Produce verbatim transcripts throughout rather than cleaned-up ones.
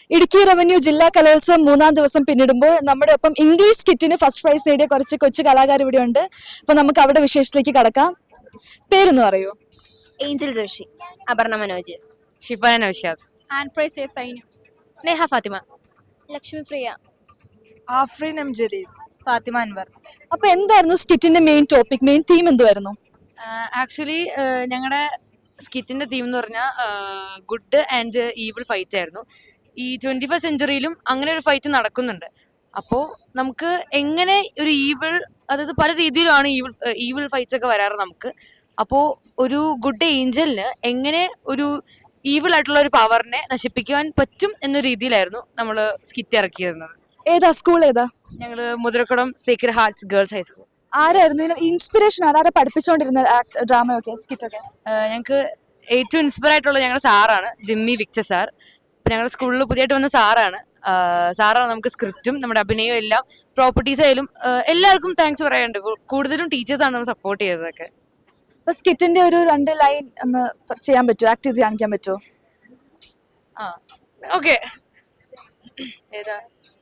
Idukki revenue ജില്ലാ കലോത്സവം മൂന്നാം ദിവസം പിന്നിടുമ്പോൾ നമ്മുടെ ഒപ്പം ഇംഗ്ലീഷ് സ്കിറ്റിന് ഫസ്റ്റ് പ്രൈസ് നേടിയ കുറച്ച് കൊച്ചു കലാകാർ ഇവിടെ ഉണ്ട്. അപ്പൊ നമുക്ക് അവിടെ വിശേഷത്തിലേക്ക് കടക്കാം. പേരൊന്ന് പറയൂ. Angel Joshy, Aparna Manoj, Shifana Noushad, and Price Sainu, Neha Fathima, Lakshmi Priya, Afreen M Jaleel, Fathima Anwar. അപ്പൊ എന്തായിരുന്നു സ്കിറ്റിന്റെ മെയിൻ ടോപ്പിക്, മെയിൻ തീം എന്തുവായിരുന്നു? ആക്ച്വലി ഞങ്ങളുടെ സ്കിറ്റിന്റെ തീം എന്ന് പറഞ്ഞാൽ ഗുഡ് ആൻഡ് ഈവിൾ ഫൈറ്റ് ആയിരുന്നു. ഈ ട്വന്റി ഫസ്റ്റ് സെഞ്ചുറിയിലും അങ്ങനെ ഒരു ഫൈറ്റ് നടക്കുന്നുണ്ട്. അപ്പോൾ നമുക്ക് എങ്ങനെ ഒരു ഈവിൾ, അതായത് പല രീതിയിലാണ് ഈവിൾ ഈവിൾ ഫൈറ്റ്സ് ഒക്കെ വരാറ് നമുക്ക്. അപ്പോൾ ഒരു ഗുഡ് ഏഞ്ചലിന് എങ്ങനെ ഒരു ഈവിൾ ആയിട്ടുള്ള ഒരു പവറിനെ നശിപ്പിക്കുവാൻ പറ്റും എന്ന രീതിയിലായിരുന്നു നമ്മൾ സ്കിറ്റ് ഇറക്കിയിരുന്നത്. ഏതാ സ്കൂൾ ഏതാ? ഞങ്ങൾ Muthirakulam sacred hearts girls high school. ആരായിരുന്നു ഇൻസ്പിറേഷൻ? ആരാ പഠിപ്പിച്ചുകൊണ്ടിരുന്ന ഡ്രാമയൊക്കെ സ്കിറ്റൊക്കെ? ഞങ്ങൾക്ക് ഏറ്റവും ഇൻസ്പയർ ആയിട്ടുള്ള ഞങ്ങളുടെ സാറാണ് ജിമ്മി വിക്ടർ സാർ. ഞങ്ങളുടെ സ്കൂളിൽ പുതിയതായിട്ട് വന്ന സാറാണ്. സാറാണ് നമുക്ക് സ്ക്രിപ്റ്റും നമ്മുടെ അഭിനയവും എല്ലാം പ്രോപ്പർട്ടീസ് ആയാലും എല്ലാവർക്കും താങ്ക്സ് പറയാനുണ്ട്. കൂടുതലും ടീച്ചേഴ്സാണ് നമ്മൾ സപ്പോർട്ട് ചെയ്തതൊക്കെ. അപ്പൊ സ്കിറ്റിന്റെ ഒരു രണ്ട് ലൈൻ ഒന്ന് ചെയ്യാൻ പറ്റുമോ, ആക്ട് ചെയ്ത് കാണിക്കാൻ പറ്റുമോ? ആ ഓക്കെ. ഏതാ?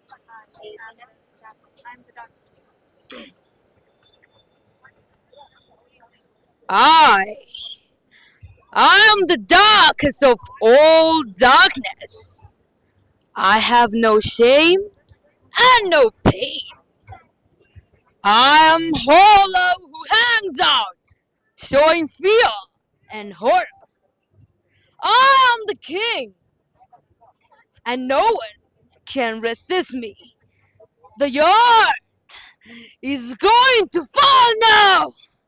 I, I am the darkest of all darkness. I have no shame and no pain. I am Hollow who hangs out, showing fear and horror. I am the king, and no one can resist me. The earth is going to fall now.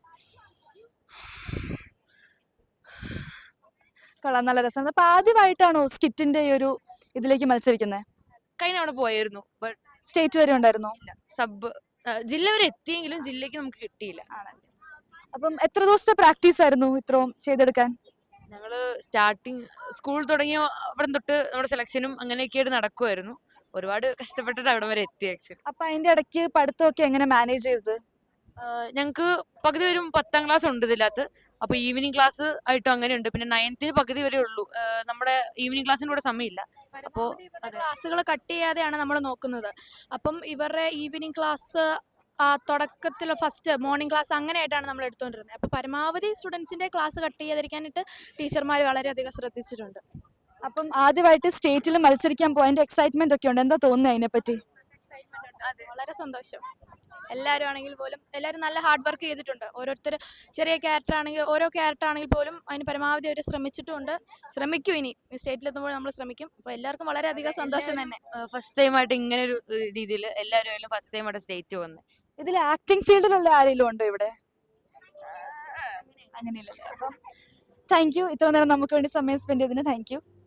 കൊള്ളാം, നല്ല രസം. അപ്പൊ ആദ്യമായിട്ടാണോ സ്കിറ്റിന്റെ ഈ ഒരു ഇതിലേക്ക് മത്സരിക്കുന്നത്? കഴിഞ്ഞ അവിടെ പോയായിരുന്നു, ബട്ട് സ്റ്റേറ്റ് വരെ ഉണ്ടായിരുന്നോ? സബ് ജില്ല വരെ എത്തിയെങ്കിലും ജില്ലക്ക് നമുക്ക് കിട്ടിയില്ല. ആണല്ലേ. അപ്പം എത്ര ദിവസത്തെ പ്രാക്ടീസ് ആയിരുന്നു ഇത്രയും ചെയ്തെടുക്കാൻ? ഞങ്ങള് സ്റ്റാർട്ടിങ് സ്കൂൾ തുടങ്ങിയ അവിടെ തൊട്ട് നമ്മുടെ സെലക്ഷനും അങ്ങനെയൊക്കെയായിട്ട് നടക്കുമായിരുന്നു. ഒരുപാട് കഷ്ടപ്പെട്ടിട്ട് അവിടെ വരെ എത്തി ആക്ച്വലി. അപ്പൊ അതിന്റെ ഇടയ്ക്ക് പഠിത്തമൊക്കെ എങ്ങനെ മാനേജ് ചെയ്തത്? ഞങ്ങൾക്ക് പകുതി വരും പത്താം ക്ലാസ് ഉണ്ട് ഇതിനകത്ത്. അപ്പൊ ഈവനിങ് ക്ലാസ് ആയിട്ടും അങ്ങനെയുണ്ട്. പിന്നെ നയൻത്തിന് പകുതി വരെ ഉള്ളൂ, നമ്മുടെ ഈവനിങ് ക്ലാസ്സിന് കൂടെ സമയമില്ല. അപ്പോൾ ക്ലാസ്സുകൾ കട്ട് ചെയ്യാതെയാണ് നമ്മൾ നോക്കുന്നത്. അപ്പം ഇവരുടെ ഈവനിങ് ക്ലാസ് തുടക്കത്തിൽ ഫസ്റ്റ് മോർണിംഗ് ക്ലാസ് അങ്ങനെയായിട്ടാണ് നമ്മൾ എടുത്തുകൊണ്ടിരുന്നത്. അപ്പോൾ പരമാവധി സ്റ്റുഡൻസിൻ്റെ ക്ലാസ് കട്ട് ചെയ്യാതിരിക്കാനായിട്ട് ടീച്ചർമാർ വളരെയധികം ശ്രദ്ധിച്ചിട്ടുണ്ട്. അപ്പം ആദ്യമായിട്ട് സ്റ്റേറ്റിൽ മത്സരിക്കാൻ പോയതിന്റെ എക്സൈറ്റ്മെന്റ് ഒക്കെ ഉണ്ട്. എന്താ തോന്നുന്നത് അതിനെപ്പറ്റി? വളരെ സന്തോഷം. എല്ലാവരും ആണെങ്കിൽ പോലും എല്ലാവരും നല്ല ഹാർഡ് വർക്ക് ചെയ്തിട്ടുണ്ട്. ഓരോരുത്തർ ചെറിയ ക്യാരക്ടർ ആണെങ്കിൽ ഓരോ ക്യാരക്ടർ ആണെങ്കിൽ പോലും അതിന് പരമാവധി അവർ ശ്രമിച്ചിട്ടുണ്ട്, ശ്രമിക്കും. ഇനി സ്റ്റേറ്റിലെത്തുമ്പോൾ നമ്മൾ ശ്രമിക്കും. അപ്പോൾ എല്ലാവർക്കും വളരെയധികം സന്തോഷം തന്നെ. ഫസ്റ്റ് ടൈം ആയിട്ട് ഇങ്ങനെ ഒരു രീതിയിൽ എല്ലാവരും ഫസ്റ്റ് ടൈം ആയിട്ട് സ്റ്റേറ്റ് വന്നത്. ഇതിൽ ആക്ടിംഗ് ഫീൽഡിലുള്ള ആരെങ്കിലും ഉണ്ടോ ഇവിടെ? അങ്ങനെയില്ലല്ലേ. അപ്പം താങ്ക് യു, ഇത്ര നേരം നമുക്ക് വേണ്ടി സമയം സ്പെൻഡ് ചെയ്തതിന് താങ്ക് യു.